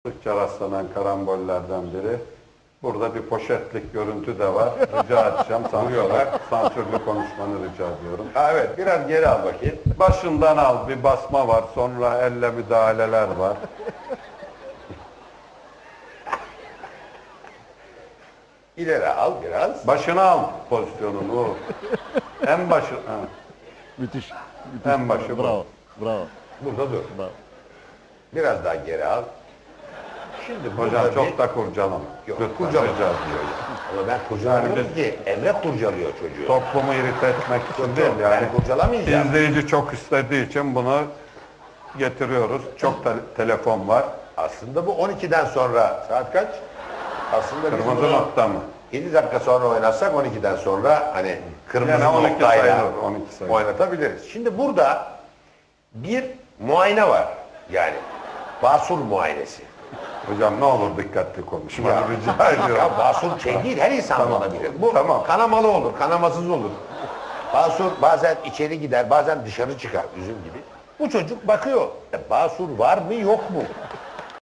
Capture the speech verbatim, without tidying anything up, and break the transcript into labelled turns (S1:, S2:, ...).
S1: Sıkça rastlanan karambollerden biri. Burada bir poşetlik görüntü de var. Rica edeceğim. Sansürlü, sansürlü konuşmanı rica ediyorum.
S2: Ha, evet, biraz geri al bakayım.
S1: Başından al. Bir basma var. Sonra elle müdahaleler var.
S2: İleri al biraz.
S1: Başına al pozisyonunu. O. En başı. Ha.
S3: Müthiş. müthiş.
S1: En başı bu.
S3: Bravo. Bravo.
S2: Burada dur.
S3: Bravo.
S2: Biraz daha geri al. Şimdi
S1: Hocam
S2: burada
S1: çok
S2: bir...
S1: da kurcalama.
S2: Yok,
S1: Lütfen,
S2: kurcalama
S1: rica
S2: diyor
S1: ediyorum.
S2: ya. Ama ben kurcalamıyorum ki. Emre kurcalıyor çocuğu.
S1: Toplumu irite etmek için
S2: Yok,
S1: değil
S2: yok,
S1: yani.
S2: ben kurcalamayacağım.
S1: İzleyici çok istediği için bunu getiriyoruz. Çok te- telefon var.
S2: Aslında bu on ikiden sonra. Saat kaç? Aslında biz
S1: Kırmızı
S2: bunu
S1: nokta mı?
S2: yedi dakika sonra oynatsak on ikiden sonra hani kırmızı
S1: Yani on iki
S2: noktayla
S1: sayılır, on iki sayılır.
S2: oynatabiliriz. Şimdi burada bir muayene var. Yani basur muayenesi.
S1: Hocam ne olur dikkatli konuşma.
S2: Ya,
S1: Rica ediyorum.
S2: ya basur şey değil, her insan
S1: Tamam.
S2: olabilir. Bu
S1: Tamam.
S2: kanamalı olur, kanamasız olur. Basur bazen içeri gider, bazen dışarı çıkar, üzüm gibi. Bu çocuk bakıyor, e, basur var mı yok mu?